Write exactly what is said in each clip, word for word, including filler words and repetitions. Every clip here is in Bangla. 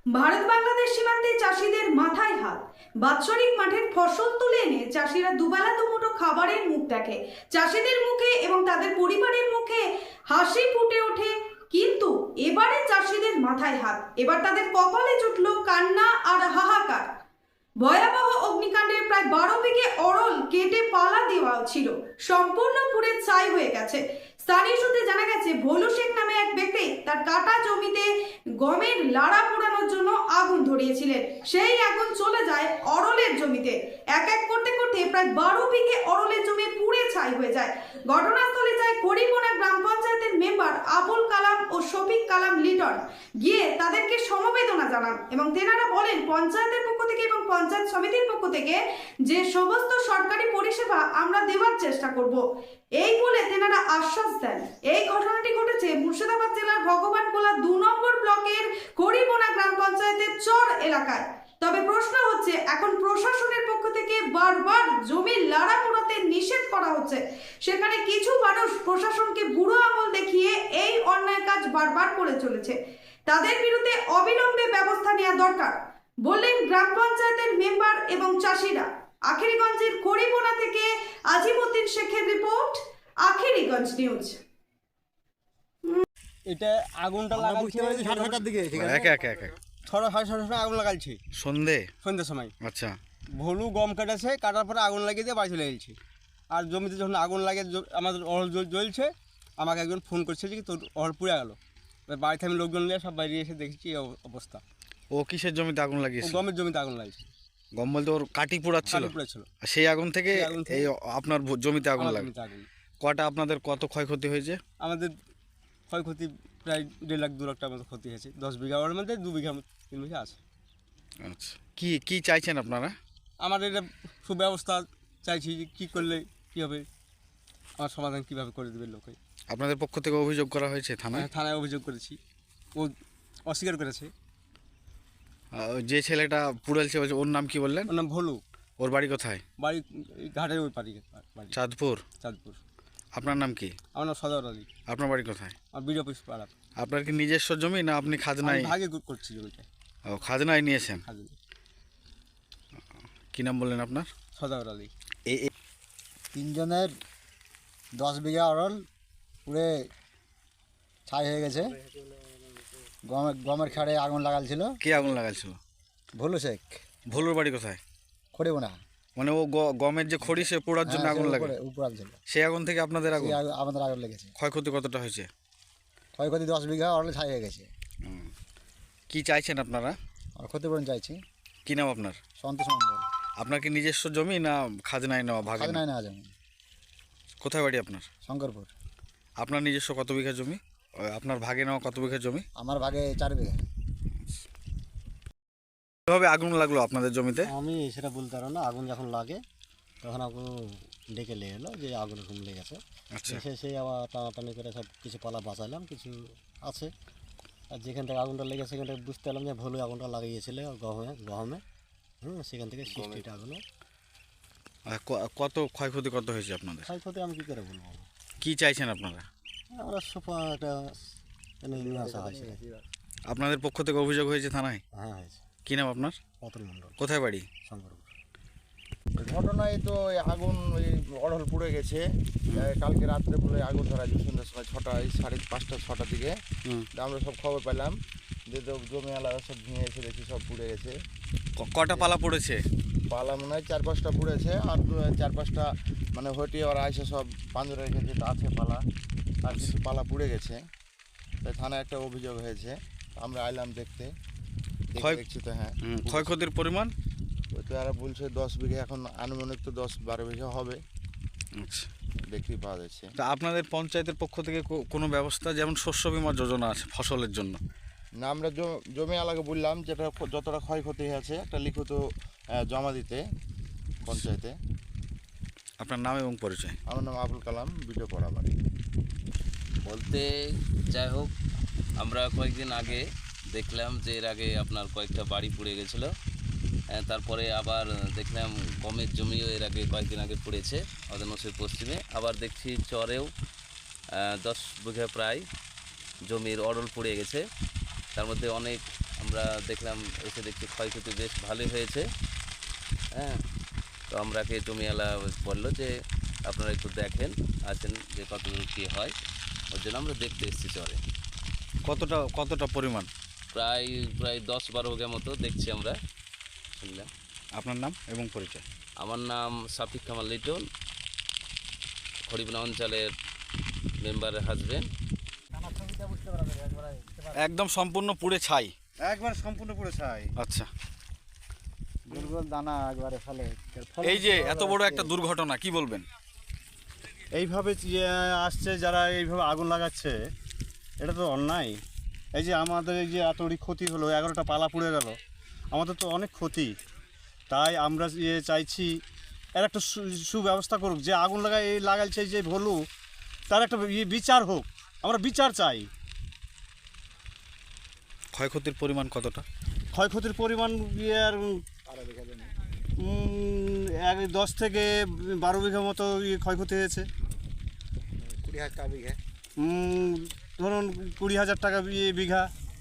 ভারত বাংলাদেশ সীমান্তে চাষিদের মাথায় হাত। বাৎসরিক মাঠের ফসল তুলে এনে চাষিরা দুবেলা দুমুঠো খাবারের মুখ দেখে। চাষিদের মুখে এবং তাদের পরিবারের মুখে হাসি ফুটে ওঠে, কিন্তু এবারে চাষিদের মাথায় হাত। এবার তাদের কপালে জুটল কান্না আর হাহাকার। ভয়াবহ অগ্নিকাণ্ডের প্রায় বারো বিঘে অরল কেটে পালা দেওয়া ছিল, সম্পূর্ণ পুড়ে ছাই হয়ে গেছে। স্থানীয় সূত্রে জানা গেছে, ভোলু শেখ নামে এক ব্যক্তি তার কাটা জমিতে গমের লাড়া পোড়ানোর জন্য আগুন ধরিয়েছিলেন। সেই আগুন চলে যায় অরলের জমিতে। এক এক করতে করতে প্রায় বারো বিঘে অরলের জমি পুড়ে ছাই হয়ে যায়। ঘটনাস্থলে যায় করিমোনা গ্রাম পঞ্চায়েতের মেম্বার আবুল কালাম ও শফিক কালাম লিটন। গিয়ে তাদেরকে সমবেদনা জানান এবং তেনারা বলেন, পঞ্চায়েতের পক্ষ থেকে এবং পঞ্চায়েত সমিতির পক্ষ থেকে যে সমস্ত সরকারি পরিষেবা আমরা দেওয়ার চেষ্টা করব, এই বলে তেনারা আশ্বাস দেন। এই ঘটনাটি ঘটেছে মুর্শিদাবাদ জেলার ভগবানগোলা দু নম্বর ব্লকের করিমোনা গ্রাম পঞ্চায়েতের চর এলাকায়। তবে প্রশ্ন হচ্ছে, এখন প্রশাসনের পক্ষ থেকে বারবার জমির লাড়া পোড়াতে নিষেধ করা হচ্ছে, সেখানে কিছু মানুষ প্রশাসনকে বুড়ো আঙুল দেখিয়ে এই অন্যায় কাজ বারবার করে চলেছে। তাদের বিরুদ্ধে অবিলম্বে ব্যবস্থা নেওয়া দরকার বললেন গ্রাম পঞ্চায়েতের মেম্বার এবং চাষিরা। আখেরিগঞ্জের করিমোনা থেকে আজিমউদ্দিন শেখের রিপোর্ট, আখেরিগঞ্জ নিউজ। এটা আগুনটা লাগাচ্ছি সাড়ে ছটার দিকে, ঠিক আছে? একা একা একা ছটা সাড়ে ছটার সময় আগুন লাগাচ্ছি, সন্ধে সন্ধ্যার সময়। আচ্ছা, ভলু গম কেটেছে, কাটার পরে আগুন লাগিয়ে দিয়ে বাড়ি চলে গেছি। আর জমিতে যখন আগুন লাগে, আমাদের অহল জ্বলছে, আমাকে একজন ফোন করছে যে তোর অহল পুড়ে গেল। বাড়িতে আমি লোকজন নিয়ে সব বাইরে এসে দেখেছি এই অবস্থা। ও কিসের জমিতে আগুন লাগিয়েছে? গমের জমিতে আগুন লাগিয়েছে। গম বলতে ওর কাটি পোড়াচ্ছিল? পুড়েছিল। সেই আগুন থেকে এই আপনার জমিতে আগুন লাগে। কটা আপনাদের কত ক্ষয়ক্ষতি হয়েছে? আমাদের ক্ষয়ক্ষতি প্রায় দেড় লাখ দু লাখ টাকার মতো ক্ষতি হয়েছে। দশ বিঘার মধ্যে দু বিঘা তিন বিঘা আছে। আচ্ছা, কি কি চাইছেন আপনারা? আমার এটা সুব্যবস্থা চাইছি, যে কী করলে কী হবে, আমার সমাধান কীভাবে করে দেবে লোকে। আপনাদের পক্ষ থেকে অভিযোগ করা হয়েছে থানায়? থানায় অভিযোগ করেছি, ও অস্বীকার করেছে। যে ছেলেটা পুড়েছে ওর নাম কি বললেন? ওর নাম ভলু। ওর বাড়ি কোথায়? বাড়ি ঘাটের ওই পাড়ি, চাঁদপুর। চাঁদপুর। আপনার নাম কি? আমার নাম সদর আলী। আপনার বাড়ি কোথায়? আমার বিডিও অফিস পাড়া। আপনার কি নিজস্ব জমি না আপনি খাজনায়? ভাগে করছি জমিটা। ও, খাজনায় নিয়েছেন? খাজনা। কি নাম বললেন আপনার? সদর আলী। এই তিনজনের দশ বিঘা অরল পুড়ে ছাই হয়ে গেছে। গমের গমের খাড়ে আগুন লাগালছিল। কে আগুন লাগাইছিল? ভোলু শেখ। ভোলুর বাড়ি কোথায়? খড়িব না, মানে ও গমের যে খড়ি সে পোড়ার জন্য আগুন লাগে, উপরাল ছিল। সেই আগুন থেকে আপনাদের আগুন? আমাদের আগুন লেগেছে। ক্ষয়ক্ষতি কতটা হয়েছে? ক্ষয়ক্ষতি দশ বিঘা অরল ছাই হয়ে গেছে। কি চাইছেন আপনারা? আর ক্ষতিপূরণ চাইছি। কি নাম আপনার? সন্তোষ মন্ডল। আপনার কি নিজস্ব জমি না খাজনায় নেওয়া? ভাগ খাজনায় নেওয়া জমি। কোথায় বাড়ি আপনার? শঙ্করপুর। আপনার নিজস্ব কত বিঘা জমি? আপনার ভাগে নেওয়া কত বিঘা জমি? আমার ভাগে চার বিঘা। কিভাবে আগুন লাগলো আপনাদের জমিতে? আমি সেটা বলতে পারবো না। আগুন যখন লাগে তখন আগুন ডেকে লেগে এলো যে আগুন এরকম লেগেছে। আচ্ছা, এসে সেই আবার টানাটানি করে সব কিছু পালা বাঁচালাম, কিছু আছে। আর যেখান থেকে আগুনটা লেগেছে সেখান থেকে বুঝতে পারলাম যে ভুলে আগুনটা লাগিয়েছিল গহমে গহমে হুম সেখান থেকে সৃষ্টিটা আগুনে। আর কত ক্ষয়ক্ষতি কত হয়েছে আপনাদের? ক্ষয়ক্ষতি আমি কী করে বলবো। কি চাইছেন আপনারা? আমরা সোফা একটা নিয়ে আসা হয়েছে। আপনাদের পক্ষ থেকে অভিযোগ হয়েছে থানায়? হ্যাঁ হয়েছে। কি নাম আপনার? অতুল মণ্ডল। কোথায় বাড়ি? শঙ্করপুর। ঘটনায় তো আগুন ওই অড়হল পুড়ে গেছে। কালকে রাত্রে পুরো আগুন ধরা যায় সন্ধ্যার সময় ছটায় সাড়ে পাঁচটা ছটার দিকে। আমরা সব খবর পেলাম যে জমি আলাদা সব ভেঙে এসে দেখি সব পুড়ে গেছে। কটা পালা পড়েছে? পালা মনে হয় চার পাঁচটা পুড়েছে, আর চার পাঁচটা মানে হটিয়ে ওরা এসে সব পাঞ্জরা রেখে যেটা আছে পালা, আর কিছু পালা পুড়ে গেছে। তাই থানায় একটা অভিযোগ হয়েছে, আমরা আইলাম দেখতে। দেখছি তো হ্যাঁ, ক্ষয়ক্ষতির পরিমাণ ওই তো এরা বলছে দশ বিঘা, এখন আনুমানিক তো দশ বারো বিঘা হবে। আচ্ছা, দেখতেই পাওয়া যাচ্ছে। তা আপনাদের পঞ্চায়েতের পক্ষ থেকে কোনো ব্যবস্থা, যেমন শস্য বীমা যোজনা আছে ফসলের জন্য? না, আমরা জমি আলাকে বললাম যেটা যতটা ক্ষয়ক্ষতি হয়েছে একটা লিখিত জমা দিতে পঞ্চায়েতে। আপনার নাম এবং পরিচয়? আমার নাম আবুল কালাম, বিডিও পাড়া বাড়ি। বলতে যাই হোক, আমরা কয়েকদিন আগে দেখলাম যে এর আগে আপনার কয়েকটা বাড়ি পুড়ে গেছিলো। তারপরে আবার দেখলাম গমের জমিও এর আগে কয়েকদিন আগে পুড়েছে আমাদের নসির পশ্চিমে। আবার দেখছি চরেও দশ বিঘা প্রায় জমির অড়ল পুড়ে গেছে। তার মধ্যে অনেক আমরা দেখলাম, এসে দেখছি ক্ষয়ক্ষতি বেশ ভালোই হয়েছে। হ্যাঁ, তো আমরাকে জমিওয়ালা বললো যে আপনারা একটু দেখেন আছেন যে কতদূর কী হয়, ওর জন্য আমরা দেখতে এসেছি চরে। কতটা কতটা পরিমাণ? প্রায় প্রায় দশ বারো বিঘা মতো দেখছি আমরা, শুনলাম। আপনার নাম এবং পরিচয়? আমার নাম সাফিক কামাল লিটন, হরিবনা অঞ্চলের মেম্বারের হাজবেন্ড। একদম সম্পূর্ণ পুড়ে ছাই। একবার সম্পূর্ণ পুরো ছাই। আচ্ছা, গোল গোল দানা একবারে ফলে এই যে এত বড় একটা দুর্ঘটনা, কি বলবেন? এইভাবে ইয়ে আসছে যারা এইভাবে আগুন লাগাচ্ছে, এটা তো অন্যায়। এই যে আমাদের এই যে এতটি ক্ষতি হলো, এগারোটা পালা পুড়ে গেল, আমাদের তো অনেক ক্ষতি। তাই আমরা ইয়ে চাইছি এর একটা সু- সুব্যবস্থা করুক, যে আগুন লাগায় এই লাগাইছে যে ভলু, তার একটা ইয়ে বিচার হোক, আমরা বিচার চাই। ক্ষয়ক্ষতির পরিমাণ কতটা? ক্ষয়ক্ষতির পরিমাণ ইয়ে আর উম, এক দশ থেকে বারো বিঘা মতো ইয়ে ক্ষয়ক্ষতি হয়েছে। কুড়ি হাজার টাকা বিঘা। উম, ধরুন কুড়ি হাজার টাকা ইয়ে বিঘা,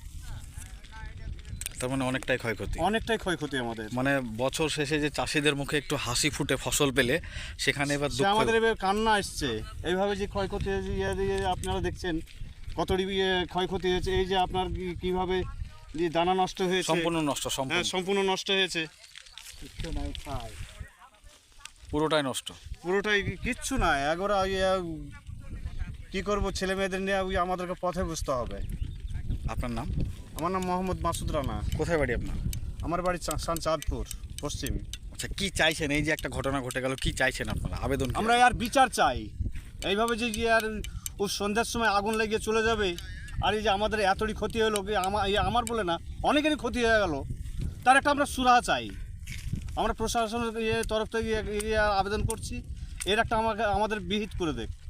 তার মানে অনেকটাই ক্ষয়ক্ষতি। অনেকটাই ক্ষয়ক্ষতি আমাদের। মানে বছর শেষে যে চাষিদের মুখে একটু হাসি ফুটে ফসল পেলে, সেখানে এবার সে দুঃখ। আমাদের এবার কান্না আসছে। এইভাবে যে ক্ষয়ক্ষতি হয়েছে, ইয়ে দিয়ে আপনারা দেখছেন কতটি ইয়ে ক্ষয়ক্ষতি হয়েছে। এই যে আপনার কি- কিভাবে যে দানা নষ্ট হয়েছে, সম্পূর্ণ নষ্ট, হ্যাঁ সম্পূর্ণ সম্পূর্ণ নষ্ট হয়েছে, কিচ্ছু নাই ছাই। পুরোটাই নষ্ট। পুরোটাই কিচ্ছু না। একবারে ইয়ে কী করবো, ছেলে মেয়েদের নিয়ে ওই আমাদেরকে পথে বুঝতে হবে। আপনার নাম? আমার নাম মোহাম্মদ মাসুদ রানা। কোথায় বাড়ি আপনার? আমার বাড়ি চা- সান চাঁদপুর পশ্চিম। আচ্ছা, কি চাইছেন? এই যে একটা ঘটনা ঘটে গেল, কি চাইছেন আপনারা? আবেদন কি? আমরা আর বিচার চাই। এইভাবে যে গিয়ে আর ও সন্ধ্যার সময় আগুন লেগে চলে যাবে, আর এই যে আমাদের এতটি ক্ষতি হলো, কি আমার এই আমার বলে না, অনেকেরই ক্ষতি হয়ে গেল, তার একটা আমরা সুরাহা চাই। আমরা প্রশাসনের ইয়ে তরফ থেকে ইয়ে- ইয়ে আবেদন করছি, এর একটা আমাকে আমাদের বিহিত করে দেখ।